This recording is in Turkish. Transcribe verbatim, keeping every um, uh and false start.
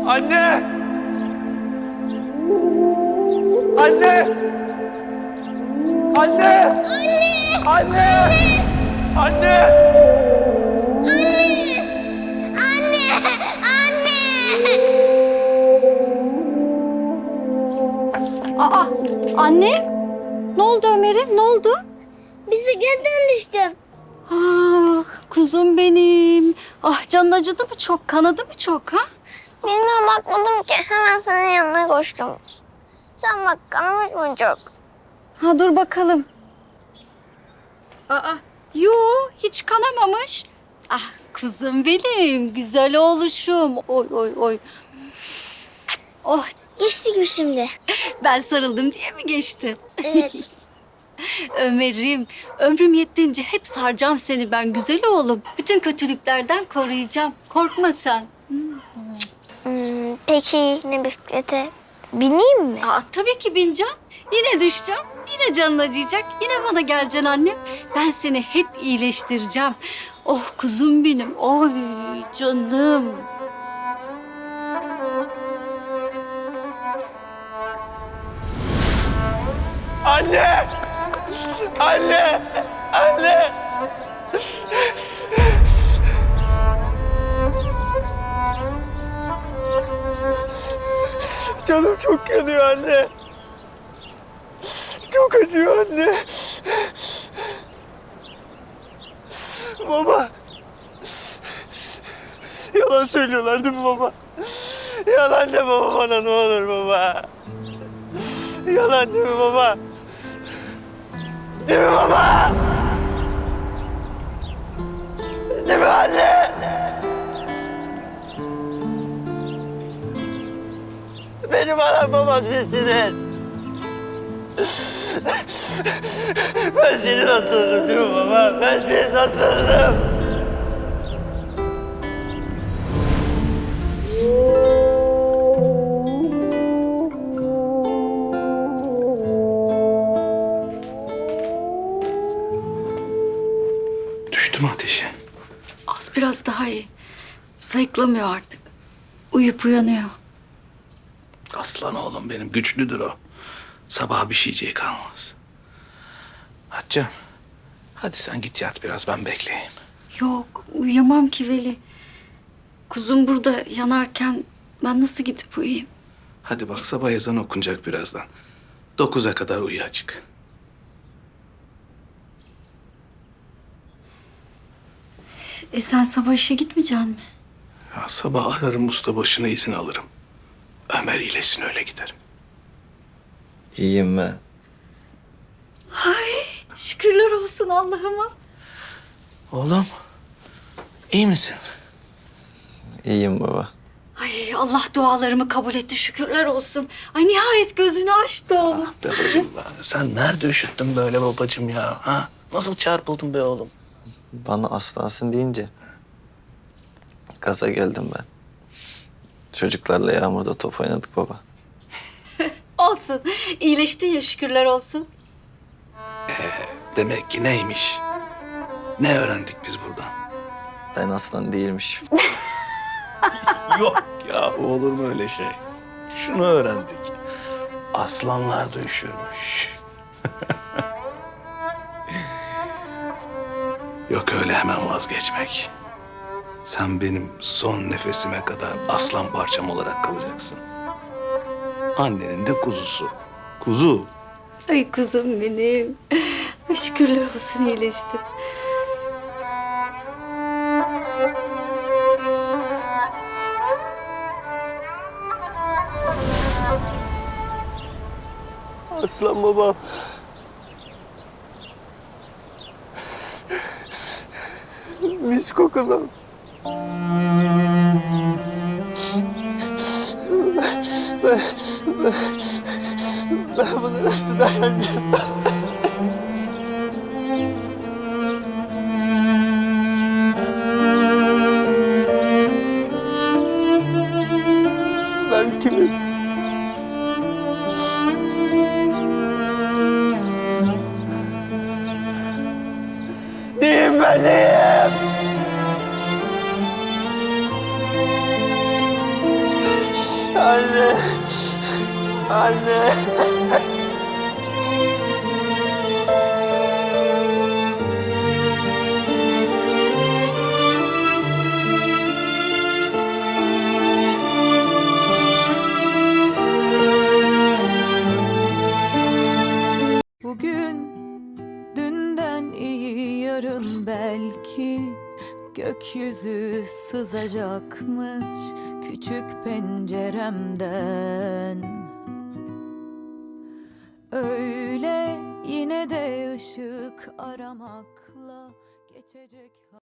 Anne! Anne! Anne! Anne! Anne! Anne! Anne! Anne! Aa, anne? Ne oldu Ömer'im? Ne oldu? Bisikletten düştüm. Ah, kuzum benim. Ah, canın acıdı mı çok? Kanadı mı çok ha? Bilmiyorum, bakmadım ki. Hemen senin yanına koştum. Sen bak, kanamış mı çok? Ha, dur bakalım. Aa, yo, hiç kanamamış. Ah, kuzum benim, güzel oğluşum. Oy oy oy. Oh, Geçti gibi şimdi. ben sarıldım diye mi geçti? Evet. Ömer'im, ömrüm yettiğince hep saracağım seni ben güzel oğlum. Bütün kötülüklerden koruyacağım. Korkma sen. Hmm, peki ne bisiklete? Bineyim mi? Aa, tabii ki bineceğim. Yine düşeceğim. Yine canın acıyacak. Yine bana geleceksin annem. Ben seni hep iyileştireceğim. Oh kuzum benim. Oy canım. Anne! Anne! Anne! Canım çok yanıyor anne. Çok acıyor anne. Baba. Yalan söylüyorlar değil mi baba? Yalan de baba bana ne olur baba. Yalan değil mi baba? Değil mi baba? Değil mi anne? Benim anam babam sizsiniz. Ben seni nasıldım değil mi baba? Ben seni nasıldım? Düştü mü ateşi? Az biraz daha iyi. Sayıklamıyor artık. Uyup uyanıyor. Aslan oğlum benim, güçlüdür o. Sabah bir şeyciği kalmaz. Hatice'm, hadi sen git yat biraz, ben bekleyeyim. Yok uyuyamam ki Veli. Kuzum burada yanarken ben nasıl gidip uyuyayım? Hadi bak, sabah ezanı okunacak birazdan. Dokuza kadar uyu açık. E sen sabah işe gitmeyeceksin mi? Ya sabah ararım, usta başına izin alırım. Ömer iyileşsin, öyle giderim. İyiyim ben. Ay şükürler olsun Allah'ıma. Oğlum, iyi misin? İyiyim baba. Ay Allah dualarımı kabul etti şükürler olsun. Ay nihayet gözünü açtı oğlum. Babacığım, sen nerede üşüttün böyle babacığım ya? Ha? Nasıl çarpıldın be oğlum? Bana aslansın deyince gaza geldim ben. Çocuklarla yağmurda top oynadık baba. Olsun iyileştin ya şükürler olsun. Demek ki neymiş? Ne öğrendik biz buradan? Ben aslan değilmişim. Yok ya, olur mu öyle şey? Şunu öğrendik. Aslanlar da üşürmüş. Yok öyle hemen vazgeçmek. Sen benim son nefesime kadar aslan parçam olarak kalacaksın. Annenin de kuzusu. Kuzu. Ay kuzum benim. Ay, şükürler olsun iyileşti. Aslan babam. Mis kokulu. Ben, ben, ben buna nasıl dayanacağım? Ben kimim? Neyim ben neyim? Anne. Anne. Bugün dünden iyi, yarın belki gökyüzü sızacakmış küçük penceremden. Öyle yine de ışık aramakla geçecek.